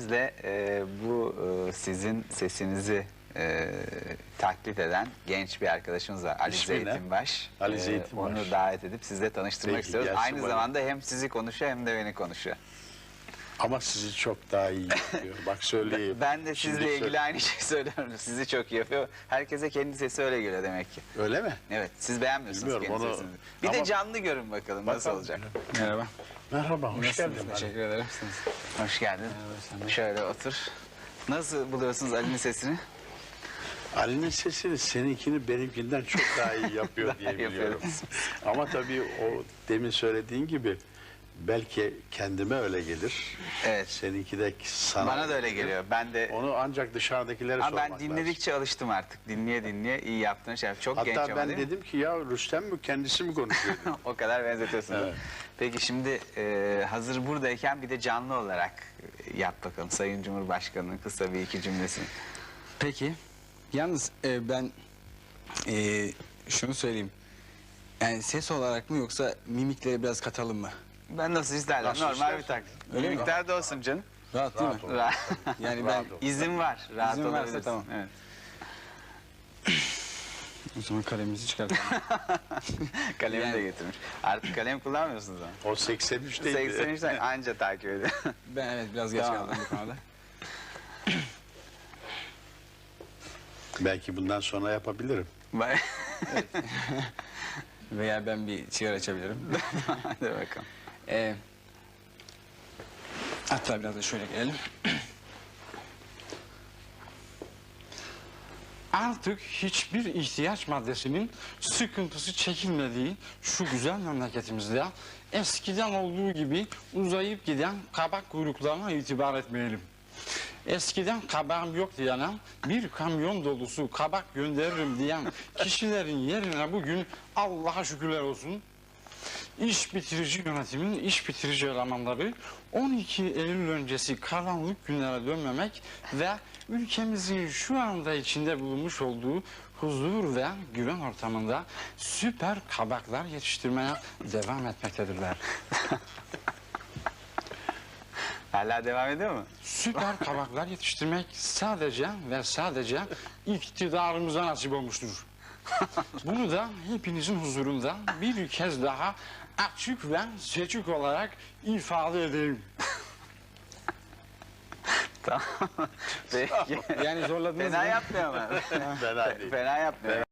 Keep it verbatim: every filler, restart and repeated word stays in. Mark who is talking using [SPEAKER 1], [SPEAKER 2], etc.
[SPEAKER 1] izninizle e, bu e, sizin sesinizi e, taklit eden genç bir arkadaşımız var. Ali
[SPEAKER 2] İsmi ne?
[SPEAKER 1] Zeytinbaş.
[SPEAKER 2] Ali
[SPEAKER 1] E,
[SPEAKER 2] Zeytinbaş.
[SPEAKER 1] Onu davet edip sizle tanıştırmak
[SPEAKER 2] Peki,
[SPEAKER 1] istiyoruz.
[SPEAKER 2] gelsin
[SPEAKER 1] Aynı
[SPEAKER 2] bana.
[SPEAKER 1] zamanda hem sizi konuşuyor hem de beni konuşuyor.
[SPEAKER 2] Ama sizi çok daha iyi yapıyor. Bak söyleyeyim.
[SPEAKER 1] Ben de
[SPEAKER 2] Şimdi
[SPEAKER 1] sizle ilgili
[SPEAKER 2] söyle-
[SPEAKER 1] aynı şeyi söylüyorum. Sizi çok iyi yapıyor. Herkese kendi sesi öyle geliyor demek ki.
[SPEAKER 2] Öyle mi?
[SPEAKER 1] Evet, siz beğenmiyorsunuz
[SPEAKER 2] Bilmiyorum,
[SPEAKER 1] kendi
[SPEAKER 2] onu-
[SPEAKER 1] sesinizi. Bir
[SPEAKER 2] Ama-
[SPEAKER 1] de canlı görün bakalım nasıl
[SPEAKER 2] Bakalım.
[SPEAKER 1] olacak.
[SPEAKER 3] Merhaba.
[SPEAKER 2] Merhaba, hoş
[SPEAKER 3] Nasılsınız?
[SPEAKER 2] geldin.
[SPEAKER 3] Teşekkür ederim.
[SPEAKER 1] Hoş geldin.
[SPEAKER 3] sen de.
[SPEAKER 1] Şöyle otur. Nasıl buluyorsunuz Ali'nin sesini?
[SPEAKER 2] Ali'nin sesini seninkini benimkinden çok daha iyi yapıyor diye biliyorum.
[SPEAKER 1] Yapıyoruz.
[SPEAKER 2] Ama tabii o demin söylediğin gibi belki kendime öyle gelir.
[SPEAKER 1] Evet.
[SPEAKER 2] Seninki de sana.
[SPEAKER 1] Bana da öyle
[SPEAKER 2] gelir.
[SPEAKER 1] geliyor. Ben de
[SPEAKER 2] Onu ancak dışarıdakilere
[SPEAKER 1] ama
[SPEAKER 2] sormak
[SPEAKER 1] ben dinledikçe alıştım artık. Dinleye dinleye iyi yaptığın şey. Çok
[SPEAKER 2] lazım.
[SPEAKER 1] genç
[SPEAKER 2] Hatta
[SPEAKER 1] ama
[SPEAKER 2] ben
[SPEAKER 1] değil mi?
[SPEAKER 2] dedim ki ya Rüstem mi kendisi mi konuşuyor?
[SPEAKER 1] O kadar benzetiyorsun.
[SPEAKER 2] Evet.
[SPEAKER 1] Peki şimdi e, hazır buradayken bir de canlı olarak e, yap bakalım. Sayın Cumhurbaşkanı'nın kısa bir iki cümlesini.
[SPEAKER 3] Peki. Yalnız e, ben e, şunu söyleyeyim. Yani ses olarak mı yoksa mimikleri biraz katalım mı?
[SPEAKER 1] Ben nasıl isterdim?
[SPEAKER 2] Nasıl
[SPEAKER 1] Normal
[SPEAKER 2] istersen.
[SPEAKER 1] bir taklit.
[SPEAKER 3] Öyle mi?
[SPEAKER 1] Miktar da olsun canım.
[SPEAKER 3] Rahat değil
[SPEAKER 2] Rahat
[SPEAKER 3] mi?
[SPEAKER 2] ol.
[SPEAKER 1] Ra-
[SPEAKER 3] Yani ben
[SPEAKER 2] Rahat ol.
[SPEAKER 1] İzin var. Rahat
[SPEAKER 3] İzin varsa
[SPEAKER 1] olabilirsin.
[SPEAKER 3] tamam.
[SPEAKER 1] Evet.
[SPEAKER 3] o zaman kalemimizi çıkartalım.
[SPEAKER 1] Kalemi de
[SPEAKER 3] Yani-
[SPEAKER 1] getirmiş. Artık kalem kullanmıyorsunuz ama.
[SPEAKER 2] O seksen üçteydi.
[SPEAKER 1] seksen üçten anca takip ediyor.
[SPEAKER 3] Ben evet biraz geç
[SPEAKER 1] Tamam.
[SPEAKER 3] kaldım bu konuda.
[SPEAKER 2] Belki bundan sonra yapabilirim.
[SPEAKER 1] Bak-
[SPEAKER 3] Veya ben bir sigara açabilirim.
[SPEAKER 1] Hadi bakalım.
[SPEAKER 3] E, hatta biraz da şöyle gelelim. Artık hiçbir ihtiyaç maddesinin sıkıntısı çekilmediği şu güzel memleketimizde eskiden olduğu gibi uzayıp giden kabak kuyruklarına itibar etmeyelim. Eskiden kabağım yok diyene bir kamyon dolusu kabak gönderirim diyen kişilerin yerine bugün Allah'a şükürler olsun İş bitirici yönetimin iş bitirici elemanları on iki Eylül öncesi karanlık günlere dönmemek ve ülkemizin şu anda içinde bulunmuş olduğu huzur ve güven ortamında süper kabaklar yetiştirmeye devam etmektedirler.
[SPEAKER 1] Hala devam ediyor mu?
[SPEAKER 3] Süper kabaklar yetiştirmek sadece ve sadece iktidarımıza nasip olmuştur. Bunu da hepinizin huzurunda bir kez daha açık ve seçik olarak ifade edeyim.
[SPEAKER 1] Tamam. Peki.
[SPEAKER 3] Yani zorladınız
[SPEAKER 1] Fena
[SPEAKER 3] mı?
[SPEAKER 1] yapmıyor ama.
[SPEAKER 2] Fena değil.
[SPEAKER 1] Fena yapmıyor.